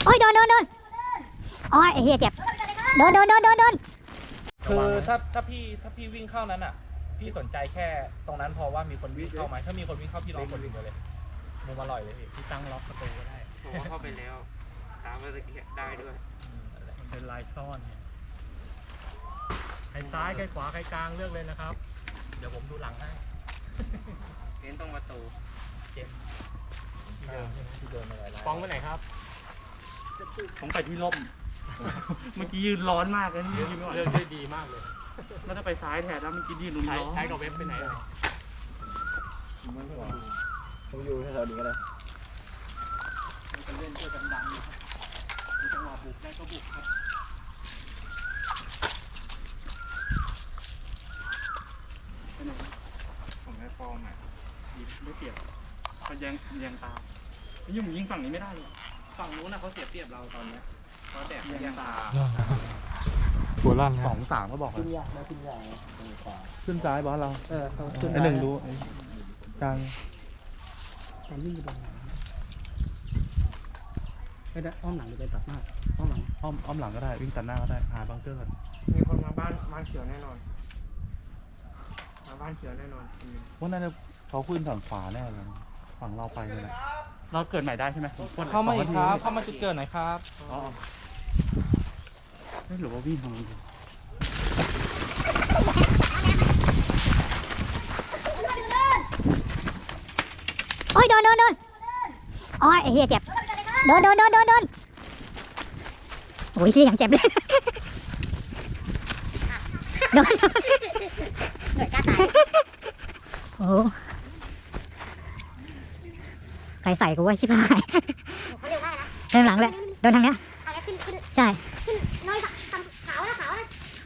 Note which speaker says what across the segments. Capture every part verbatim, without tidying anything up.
Speaker 1: โอ้ยโดนโดนโดนโอ้ยไอ้เหี้ยเจ็บโดนโดนโดนโดนโดน
Speaker 2: คือถ้าถ้าพี่ถ้าพี่วิ่งเข้านั้นอ่ะพี่สนใจแค่ตรงนั้นพอว่ามีคนวิ่งเข้าไหมถ้ามีคนวิ่งเข้าพี่ล็อกคนวิ่งเลยมุมอร่อยเลยพี่พี่ตั้งล็อกประตูก็ได้
Speaker 3: ผมว่าเข้าไปแล้วตามเมื่อกี้ได้ด้วย
Speaker 2: มันเป็นลายซ่อนเนี่ยใครซ้ายใครขวาใครกลางเลือกเลยนะครับเดี๋ยวผมดูหลังให้
Speaker 3: เน้นตรงประตู
Speaker 2: เจมที่เดิมใช่ไหมที่เดิมอะไรฟ้องไปไหนครับ
Speaker 4: ผมไปที่ร่มเมื่อกี้ยืนร้อนมากเลยนี่
Speaker 2: เลือกได้ดีมากเลย
Speaker 4: แล้วถ้าไปซ้ายแทนแล้วเมื่อกี้ยืนร้อน
Speaker 2: ใช้กับเว็บไปไหน
Speaker 5: ผมอยู่แถวนี้ก็ได้
Speaker 4: จะเล่นเพื่อดังๆนะครับมีจังหวะบุกได้ก็บุกครับ
Speaker 3: ผมได้ฟอร์มอ่ะ
Speaker 4: ยิงไม่เปรียบเขาแยงแยงตายิ่งยิงฝั่งนี้ไม่ได้เลยฝั่งนู้นนะเขาเสียเปรียบเราตอนนี้เขาแตกแยงตา
Speaker 2: หัวลั่น
Speaker 4: สองสามก็บอก
Speaker 5: ขึ้นยากได้ขึ้นยาก
Speaker 4: ขึ้นซ้ายบอสเรา
Speaker 5: เออขึ้น
Speaker 4: ไอหนึ่งรู้กลาง
Speaker 5: ตอนวิ่งไปตรงไหน
Speaker 4: ไม่ได้อ้อมหลังหรือไปตัดหน้าอ้อมหลังอ้อมอ้อมหลังก็ได้วิ่งตัดหน้าก็ได้หาบังเกอร์ก่อน
Speaker 3: มีคนมาบ้านบ้านเขียวแน่นอนมาบ้านเขียวแน่นอน
Speaker 4: ว่าน่าจะเขาขึ้นฝั่งขวาแน่เลยฝั่งเราไปเลยเราเกิดใหม่ได้ใช่ไหม
Speaker 2: เข้ามาอีกครับเข้ามาจุดเกิดหน่อยครับ
Speaker 4: อ๋อไม่หรือว่าวิ่งทางนี้
Speaker 1: โอ้ยโดนโดนโดนโอ้ยไอ้เหี้ยเจ็บโดนโดนโดนโดนโดนโอ้ยชี้อย่างเจ็บเลยโดนโดนเหนื่อยกล้าตายโอ้ใครใส่กูว่าชิบหายเริ่มหลังเลยโดนทางเนี้ยใช่น้อยขาวนะขาวนะ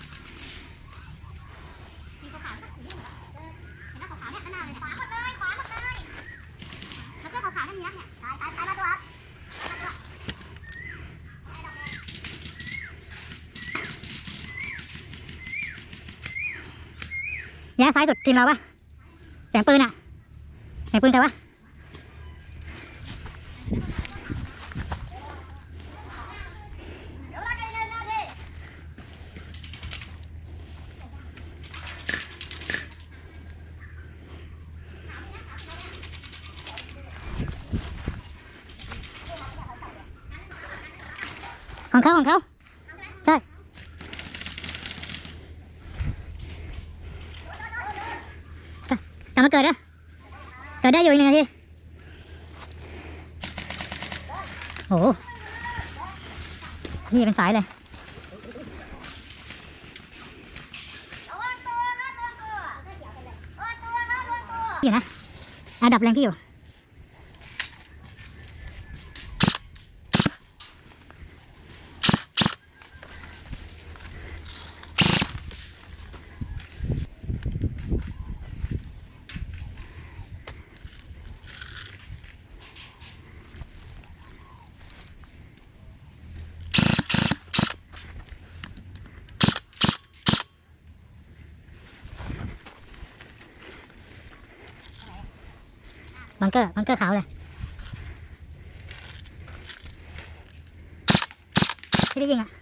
Speaker 1: มีขาวๆเห็นไหมขาวๆเนี่ยข้างหน้าเลยขวาหมดเลยขวาหมดเลยแล้วก็ขาวๆนั่นมีนะเนี่ยตายตายตายมาตัวครับแย่ซ้ายสุดทีมเราปะเสียงปืนอะเสียงปืนใครวะของเขาของเขาใช่กลับมาเกิดนะเกิดได้อยู่อีกหนึ่งนาทีโอ้โหพี่เป็นสายเลยอยู่นะอันดับแรงพี่อยู่บังเกอร์บังเกอร์ขาวเลยที่ได้ยิงอ่ะ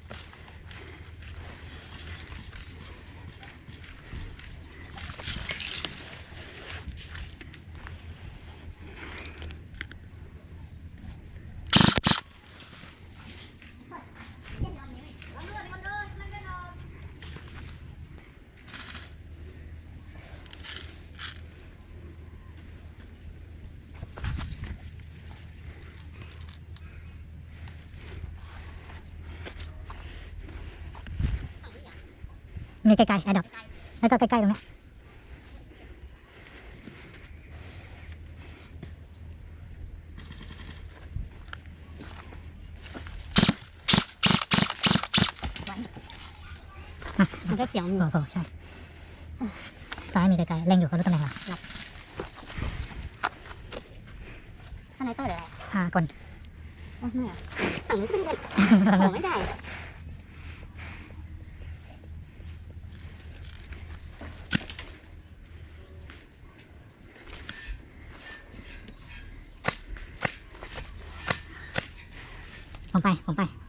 Speaker 1: มีไกลๆอันดับแล้วก็ใกล้ๆตรงนี้มันก็เสียงโอ้โหใช่ซ้ายมีไกลๆเล็งอยู่เขารู้ตำแหน่งเหรอข้างในตู้เดี๋ยวอะไรอ่ากลอ๋อไม่อ่ะฝั่งนี้ขึ้นไปของไม่ได้ผมไปผมไป